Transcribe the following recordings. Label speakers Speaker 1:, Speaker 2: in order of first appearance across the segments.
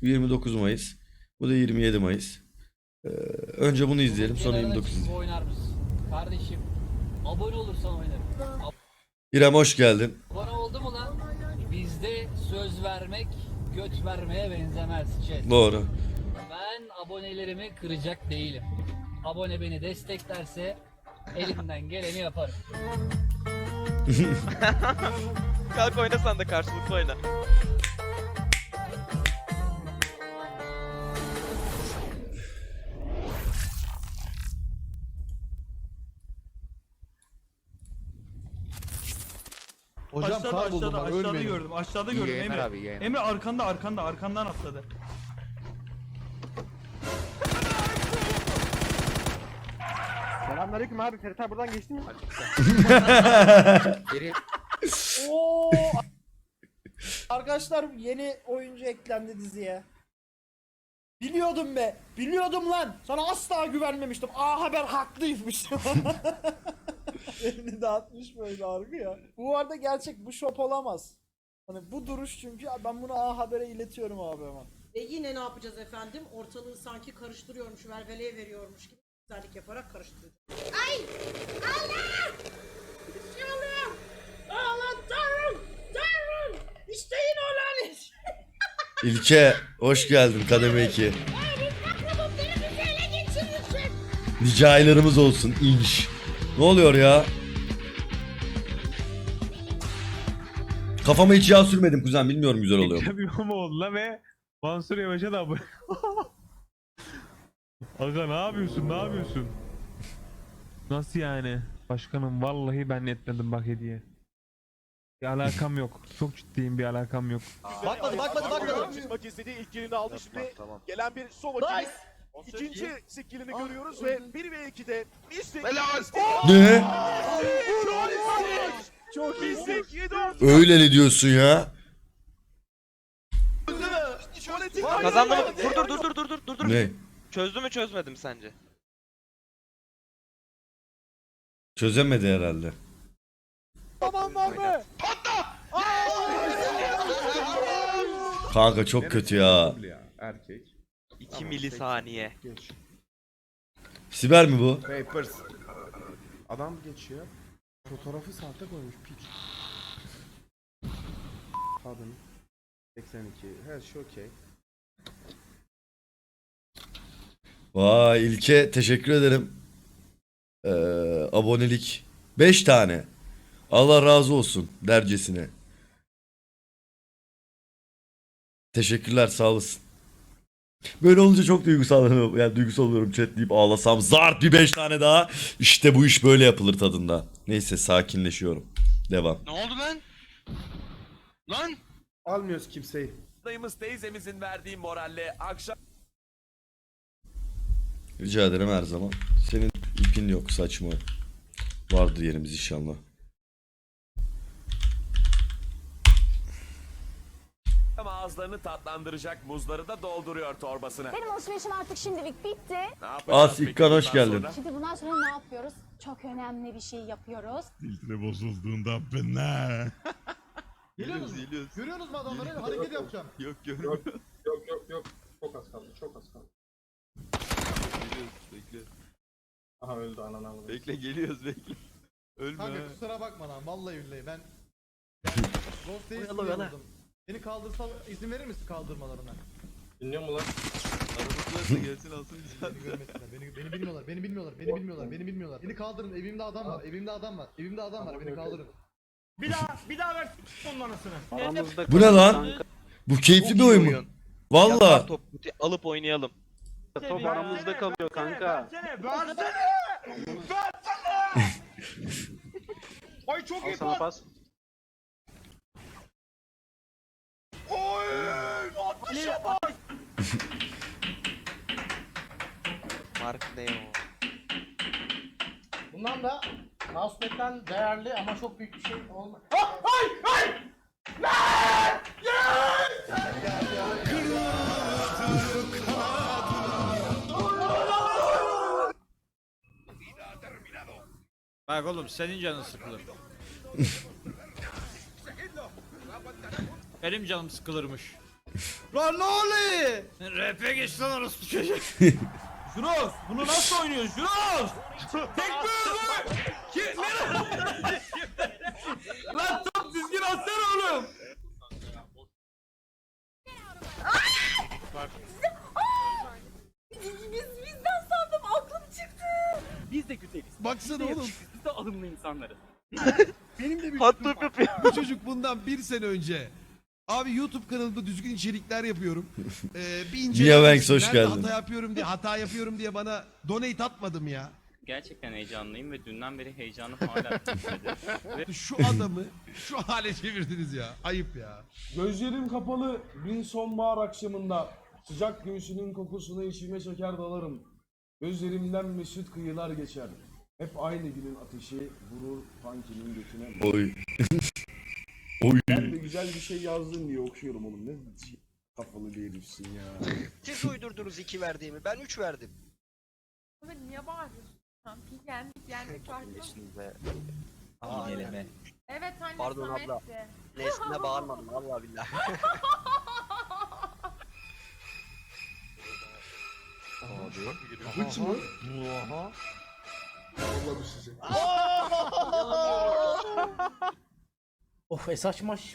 Speaker 1: 29 Mayıs. Bu da 27 Mayıs. Önce bunu izleyelim, sonra 29 izleyelim.
Speaker 2: Oynar mısın? Kardeşim abone olursan oynarım.
Speaker 1: İrem hoş geldin.
Speaker 2: Abone oldu mu lan? Bizde söz vermek göt vermeye benzemez.
Speaker 1: Doğru.
Speaker 2: Ben abonelerimi kıracak değilim. Abone beni desteklerse elimden geleni yaparım.
Speaker 3: Kalk oyna sen de karşılıklı oyna.
Speaker 4: Hocam
Speaker 5: Aşağıda
Speaker 4: kar buldum
Speaker 5: aşağıda
Speaker 4: ben,
Speaker 5: aşağıda
Speaker 4: ölmeyin.
Speaker 5: gördüm. Aşağıda gördüm
Speaker 6: Yener
Speaker 5: Emre.
Speaker 6: abi, yener.
Speaker 5: Emre arkandan atladı.
Speaker 4: Selamünaleyküm abi, Ferit abi buradan geçti mi?
Speaker 6: Geri
Speaker 7: Oo. Arkadaşlar yeni oyuncu eklendi diziye. Biliyordum be. Biliyordum lan. Sana asla güvenmemiştim. A Haber haklıymış. Elini dağıtmış böyle argı ya. Bu arada gerçek, bu şop olamaz. Hani bu duruş, çünkü ben bunu A Haber'e iletiyorum abi hemen.
Speaker 8: Yine ne yapacağız efendim? Ortalığı sanki karıştırıyormuş, velveleye veriyormuş gibi güzellik yaparak karıştıracağız. Ay! Allah! Bir şey oluyor! Allah Tanrım! Tanrım! İsteyin o lanet!
Speaker 1: İlke hoş geldin kademe 2.
Speaker 8: Aklımın beni bizi ele geçirirsin!
Speaker 1: Nice aylarımız olsun inş. Ne oluyor ya? Kafama hiç yağ sürmedim kuzen, bilmiyorum güzel oluyor mu?
Speaker 9: Ekrem İmamoğlu'na ve Mansur Yavaş'a da abone. Aga ne yapıyorsun, ne yapıyorsun? Nasıl yani? Başkanım vallahi ben etmedim bak hediye. Bir alakam yok. Çok ciddiyim, bir alakam yok.
Speaker 4: Bakmadı.
Speaker 10: Çıkmak istediği ilk kilini aldı şimdi. Gelen bir Sova kili. İkinci skillini görüyoruz ve 1 ve 2'de Mystic.
Speaker 1: Ne?
Speaker 10: Çok iyi Mystic 7
Speaker 1: Öyle ne diyorsun ya?
Speaker 3: Kazandı mı? Dur.
Speaker 1: Ne?
Speaker 3: Çözdü mü çözmedi mi sence?
Speaker 1: Çözemedi herhalde.
Speaker 10: Tamam var mı?
Speaker 1: Kanka çok kötü ya.
Speaker 4: Erkek.
Speaker 3: 2 milisaniye.
Speaker 4: Geç.
Speaker 1: Siber mi bu?
Speaker 4: Papers. Adam geçiyor. Fotoğrafı sahte koymuş piç. Kadın. 82. Her şey okey.
Speaker 1: Vay İlke teşekkür ederim. Abonelik. 5 tane. Allah razı olsun dercesine. Teşekkürler, sağ olasın. Böyle olunca çok duygusallanıyorum. Yani duygusal oluyorum, chat deyip ağlasam. Zart bir 5 tane daha. İşte bu iş böyle yapılır tadında. Neyse sakinleşiyorum. Devam.
Speaker 3: Ne oldu lan? Lan!
Speaker 4: Almıyoruz kimseyi.
Speaker 10: Dayımız teyzemizin verdiği moralle akşam
Speaker 1: Rica ederim her zaman. Senin ipin yok, saçma. Vardır yerimiz inşallah.
Speaker 10: ağızlarını tatlandıracak muzları da dolduruyor torbasına.
Speaker 11: Benim alışverişim artık şimdilik bitti.
Speaker 10: Ne yapacağız
Speaker 1: As
Speaker 10: peki
Speaker 1: İkkan hoş
Speaker 10: bundan
Speaker 1: geldin.
Speaker 10: sonra?
Speaker 11: Şimdi bundan sonra ne yapıyoruz? Çok önemli bir şey yapıyoruz.
Speaker 9: Filtre bozulduğunda ben ne?
Speaker 4: Geliyorsunuz mu? Görüyorsunuz mu adamları? Hareket yapacağım.
Speaker 9: Yok görmüyorum.
Speaker 4: Yok. Çok az kaldı.
Speaker 9: Bekle.
Speaker 4: Aha öldü ananı avradı.
Speaker 9: Bekle geliyoruz bekle. Ölme.
Speaker 4: Kanka kusura bakma lan, vallahi billahi ben Ghost Days
Speaker 3: Oyala, oyala.
Speaker 4: vurdum. Beni kaldırsa izin verir misin kaldırmalarına?
Speaker 10: Dinliyor mu lan?
Speaker 9: Aramızda gelsin alsın
Speaker 4: Beni görmesinler. Beni bilmiyorlar. Beni kaldırın. Evimde adam var. Beni kaldırın.
Speaker 5: Bir daha ver onun anasını.
Speaker 1: Bu ne lan? Bu keyifli bir oyun mu? Valla.
Speaker 3: Top alıp oynayalım.
Speaker 5: Top aramızda kalıyor kanka. Versene. Ay çok iyi pas. Oy! Atışa bak.
Speaker 3: Mark ne o?
Speaker 7: Bundan da Mousepad'den değerli ama çok büyük bir şey olmaz.
Speaker 5: Bak oğlum senin canın sıkılır. Benim canım sıkılırmış.
Speaker 10: Lan ne oluyor?
Speaker 2: Rap'e geç lan orası çocuk.
Speaker 10: Juros bunu nasıl oynuyor Juros? Tekme öldü. Lan top düzgün atsana oğlum.
Speaker 8: Bizden sandım aklım çıktı.
Speaker 5: Biz de güzeliz.
Speaker 10: Baksana oğlum.
Speaker 5: Biz de alımlı insanlarız.
Speaker 10: Benim de bir
Speaker 3: Hot
Speaker 10: çocuk
Speaker 3: tub
Speaker 10: var.
Speaker 3: yapıyor.
Speaker 10: Bu çocuk bundan bir sene önce. Abi YouTube kanalımda düzgün içerikler yapıyorum. Bir
Speaker 1: Mia Banks, hoş
Speaker 10: nerede
Speaker 1: geldin.
Speaker 10: hata yapıyorum diye bana donate atmadım ya.
Speaker 5: Gerçekten heyecanlıyım ve dünden beri heyecanım hala bitmedi.
Speaker 10: Şu adamı şu hale çevirdiniz ya. Ayıp ya.
Speaker 6: Gözlerim kapalı bir sonbahar akşamında sıcak göğsünün kokusunu içime çeker dalarım. Gözlerimden mesut kıyılar geçer. Hep aynı günün ateşi vurur Funky'nin götüne.
Speaker 1: Oy. Oy.
Speaker 6: Ben de güzel bir şey yazdın diye okuyorum oğlum. Ne kafalı bir herifsin ya.
Speaker 3: Siz uydurdunuz 2 verdiğimi. Ben 3 verdim.
Speaker 8: Niye bağırıyorsun? Yendik
Speaker 3: Şimdi
Speaker 8: Evet anne
Speaker 3: Pardon abla. Nesline bağırmadım vallahi billahi.
Speaker 6: Hiç mi? Oha. Vallahi size.
Speaker 7: Of esas maç.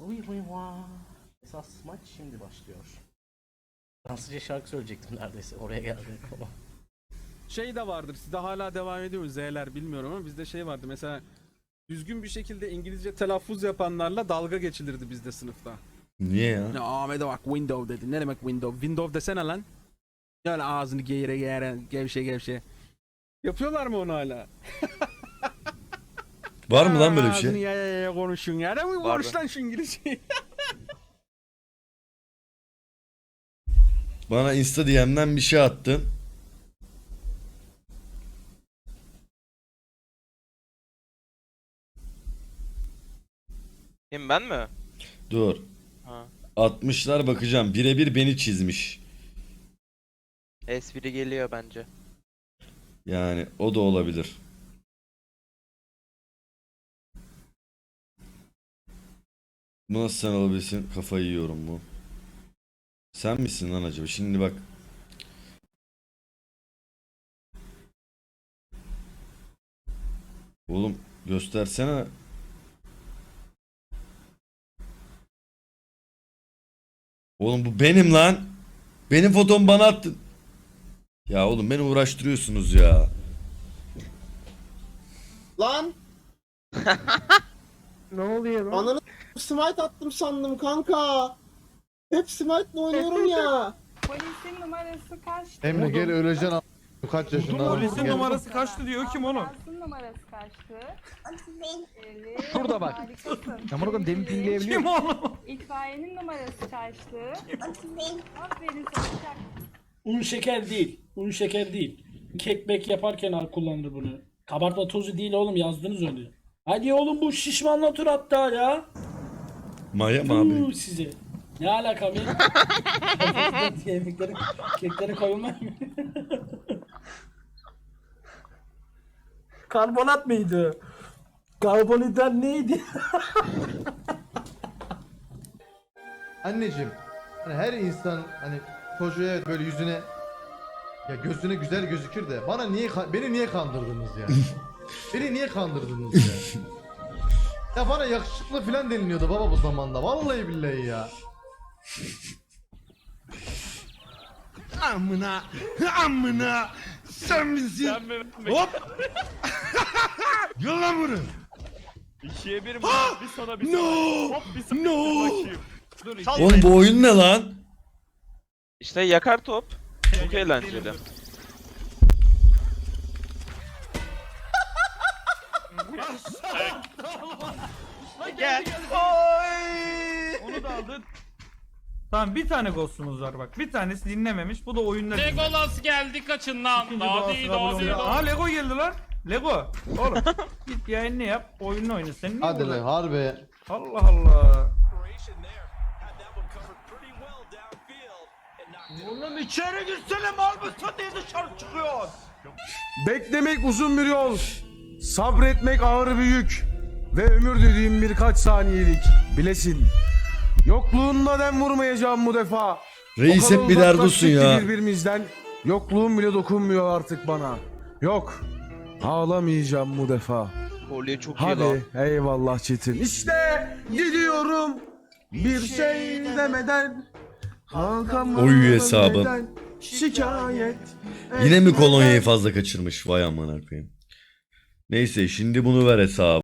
Speaker 7: Esas maç şimdi başlıyor. Fransızca şarkı söyleyecektim neredeyse. Oraya geldim ama.
Speaker 5: Şey de vardır. Sizde hala devam ediyor mu? Z'ler bilmiyorum ama bizde şey vardı. Mesela düzgün bir şekilde İngilizce telaffuz yapanlarla dalga geçilirdi bizde sınıfta.
Speaker 1: Niye ya?
Speaker 5: Ya Ahmet'e bak window dedi. Ne demek window? Window desene lan. Yani ağzını geğire geğire gevşe. Yapıyorlar mı onu hala?
Speaker 1: Var mı lan böyle bir
Speaker 5: Ağzını
Speaker 1: şey?
Speaker 5: ya konuşun ya. Ne mi konuş lan şu İngilizceyi?
Speaker 1: Bana Insta DM'den bir şey attın.
Speaker 3: Kim ben mi?
Speaker 1: Dur.
Speaker 3: Ha.
Speaker 1: 60'lar bakacağım. Birebir beni çizmiş.
Speaker 3: Espri geliyor bence.
Speaker 1: Yani o da olabilir. Bu nasıl sen olabilirsin? Kafayı yiyorum bu. Sen misin lan acaba? Şimdi bak. Oğlum göstersene. Oğlum bu benim lan. Benim fotomu bana attın. Ya oğlum beni uğraştırıyorsunuz ya.
Speaker 7: Lan!
Speaker 5: Ne oluyor lan?
Speaker 7: Ananı smite attım sandım kanka. Hep smite'la oynuyorum ya.
Speaker 8: Polisin numarası kaç?
Speaker 4: Emre gel öleceksin a**. Kaç yaşında?
Speaker 5: Polisin
Speaker 4: Gel.
Speaker 5: numarası kaçtı diyor kim oğlum?
Speaker 8: Polisin numarası kaçtı? Evet.
Speaker 2: Şurada bak.
Speaker 8: Harikasın.
Speaker 2: Ya bunu demin pingleyebiliyor
Speaker 5: Kim oğlum?
Speaker 8: İtfaiyenin numarası kaçtı? Aferin sana çak.
Speaker 7: Un şeker değil. Un şeker değil. Kekbek yaparken kullanır bunu. Kabartma tozu değil oğlum yazdınız onu. Hadi oğlum bu şişmanla tur hatta ya.
Speaker 1: Maya mı abi?
Speaker 7: Size. Ne alakam ya? Yemekleri, kekleri koyulmak mı? Karbonat mıydı? Karbonhidrat neydi?
Speaker 4: Anneciğim hani her insan hani çocuğa evet böyle yüzüne ya gözüne güzel gözükür de bana beni niye kandırdınız ya? Beni niye kandırdınız ya? Ya bana yakışıklı falan deniliyordu baba bu zamanda. Vallahi billahi ya.
Speaker 10: Amına sen misin? Hop. Gel lan bunu.
Speaker 3: 2'ye 1
Speaker 10: Bir sana bir no.
Speaker 1: Oğlum bu oyun ne lan?
Speaker 3: İşte yakar top. Çok eğlenceli. Gel.
Speaker 5: Onu da aldın. Tamam bir tane ghostumuz var bak. Bir tanesi dinlememiş. Bu da oyunda.
Speaker 2: Legolas geldi kaçın lan.
Speaker 5: Aa Lego geldi lan. Lego. Oğlum git yayını yap. Oyununu oyna. Sen niye
Speaker 4: Hadi
Speaker 5: burada?
Speaker 4: lan harbi.
Speaker 5: Allah Allah. Oğlum içeri girsene mal mısın diye dışarı çıkıyor.
Speaker 6: Beklemek uzun bir yol. Sabretmek ağır bir yük. Ve ömür dediğim birkaç saniyelik. Bilesin. Yokluğunla dem vurmayacağım bu defa.
Speaker 1: Reis
Speaker 6: O kadar
Speaker 1: hep bir derdusun
Speaker 6: uzaklaştık ki
Speaker 1: ya.
Speaker 6: birbirimizden. Yokluğum bile dokunmuyor artık bana. Yok. Ağlamayacağım bu defa.
Speaker 3: Kolye çok iyi lan.
Speaker 6: Hadi eyvallah Çetin. İşte gidiyorum. Bir şey demeden. Hakan
Speaker 1: Oy hesabı.
Speaker 6: demeden şikayet.
Speaker 1: Yine mi kolonyayı fazla kaçırmış? Vay aman koyayım. Neyse şimdi bunu ver hesabı.